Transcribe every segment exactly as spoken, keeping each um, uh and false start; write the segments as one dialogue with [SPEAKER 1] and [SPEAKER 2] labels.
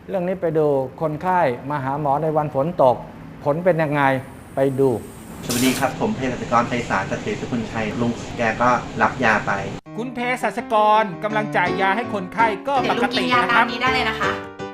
[SPEAKER 1] เรื่องนี้ไปดูคนไข้มาหาหมอในวันฝนตกผลเป็นยังไงไปดู
[SPEAKER 2] สวัสดีครับผมเภสัชกรไพศาลเกษตรสกุลชัยลุงแกก็รับยาไป
[SPEAKER 3] คุณเภสัชกรกำลังจ่ายยาให้คนไข้ก็ปกตินะครับ
[SPEAKER 4] เดี๋ยวลุงกินยาตามนี้ได้เลยนะคะ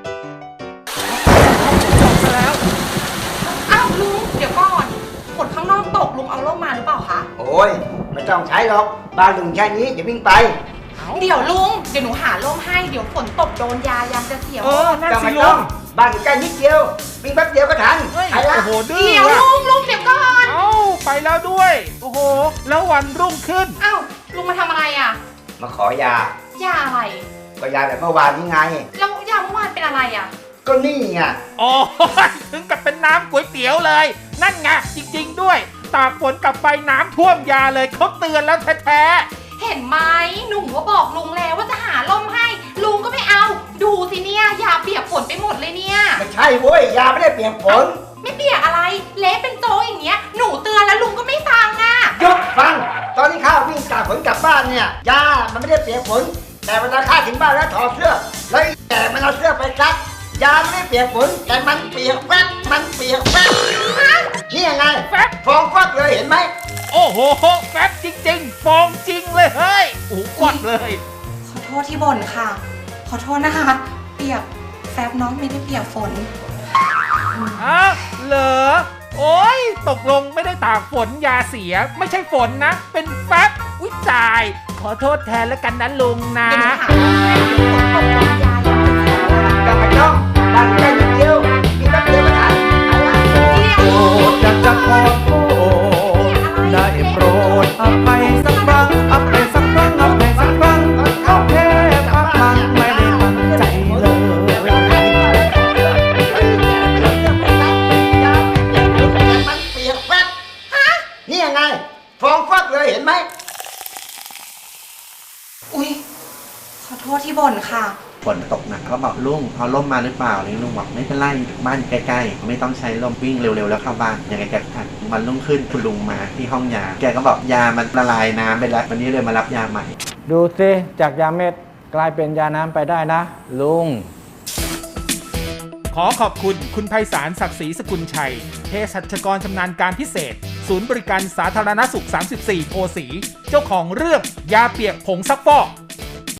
[SPEAKER 3] จบแล้ว
[SPEAKER 4] อ้าวลุงเดี๋ยวก่อนฝนข้างนอกตกลุงเอาร่มมาหรือเปล่าคะ
[SPEAKER 5] โอ้ยไม่ต้องใช้หรอกบ้านลุงแค่นี้อย่าวิ่งไป
[SPEAKER 4] เดี๋ยวลุงเดี๋ยวหนูหาร่มให้เดี๋ยวฝนตกโดนยายามจะเสียว
[SPEAKER 3] เออนั่นสิลุง
[SPEAKER 5] บ้านอยู่ใกล้นิดเดียววิ่งแป๊บเดียวก็ทัน
[SPEAKER 3] ไปละโอ้โหดื้อ
[SPEAKER 4] เดี๋ยวลุงลุงเดี๋ยวก่อน
[SPEAKER 3] เอ้าไปแล้วด้วยโอ้โหแล้ววันรุ่งขึ้น
[SPEAKER 4] อ้าวลุงมาทำอะไรอ่ะ
[SPEAKER 5] มาขอยาย
[SPEAKER 4] าอะไร
[SPEAKER 5] ก็ยาแบบเมื่อวานนี้ไง
[SPEAKER 4] แล้วยาเมื่อวานเป็นอะไรอ่ะ
[SPEAKER 5] ก็นี่ไง
[SPEAKER 3] อ๋อถึงกับเป็นน้ำก๋วยเตี๋ยวเลยนั่นไงจริงๆด้วยตากฝนกลับไปน้ำท่วมยาเลยเขาเตือนแล้วแท้
[SPEAKER 4] ๆเห็นไหมหนูก็บอกลุงแล้วว่าจะหาร่มให้ลุงก็ไม่เอาดูสิเนี่ยยาเปียกฝนไปหมดเลยเนี่ย
[SPEAKER 5] ไม่ใช่เว้ยยาไม่ได้เปียกฝน
[SPEAKER 4] ไม่เปียกอะไรเละเป็นโจ๊กอย่างเงี้ยหนูเตือนแล้วลุงก็ไม่ฟังอ่ะ
[SPEAKER 5] ยกฟังตอนที่ข้าวิ่งตากฝนกลับบ้านเนี่ยยามันไม่ได้เปียกฝนแต่เวลาข้าถึงบ้านแล้วถอดเสื้อแล้วแต่มันเอาเสื้อไปซักยาไม่ได้เปียกฝนแต่มันเปียกแฟบมันเปียกแฟบนี่ยังไง
[SPEAKER 3] แฟบ
[SPEAKER 5] ฟองฟักเลยเห็นไหม
[SPEAKER 3] โอ้โหแฟบจริงๆฟองจริงเลยเฮ้ยโอ้กดเลย
[SPEAKER 4] ขอโทษที่บ่นค่ะขอโทษนะคะเปียกแฟบน้องไม่ได้เปียกฝน
[SPEAKER 3] ฮะเหรอโอ้ยตกลงไม่ได้ตากฝนยาเสียไม่ใช่ฝนนะเป็นแฟบอุ้ยจ่ายขอโทษแทนแล้วกันนะลุงนะ
[SPEAKER 4] เดี๋ยวหาให้เดี๋ยวฝนตกยาอย่าไปเสีย
[SPEAKER 5] ต้องไปต้องบ้านใกล้นิดเดียวมีแป๊บเดียวก็ทัน
[SPEAKER 4] โอ้
[SPEAKER 1] อยากจะขอโทษได้โปรดอภัยสักครั้งอภัยสักครั้งอภัยสักครั้งเขาแค่พักมันไม่ได้ตั้งใจเลย
[SPEAKER 5] มันเปียกแฟบฮะนี่ยังไงฟองฟักเลยเห็นไหม
[SPEAKER 4] อุ้ยขอโทษที่บ่นค่ะ
[SPEAKER 2] ฝนตกหนักเขาบอกลุงเอาร่มมาหรือเปล่าลุงบอกไม่เป็นไรบ้านใกล้ๆไม่ต้องใช้ร่มวิ่งเร็วๆแล้วเข้าบ้านยังไงแกทันวันรุ่งขึ้นคุณลุงมาที่ห้องยาแกก็บอกยามันละลายน้ำไปแล้ววันนี้เลยมารับยาใหม่
[SPEAKER 1] ดูสิจากยาเม็ดกลายเป็นยาน้ำไปได้นะลุง
[SPEAKER 3] ขอขอบคุณคุณไพศาลศักดิ์ศรีสกุลชัยเภสัชกรชำนาญการพิเศษศูนย์บริการสาธารณสุขสามสิบสี่โพสีเจ้าของเรื่องยาเปียกผงซักฟอก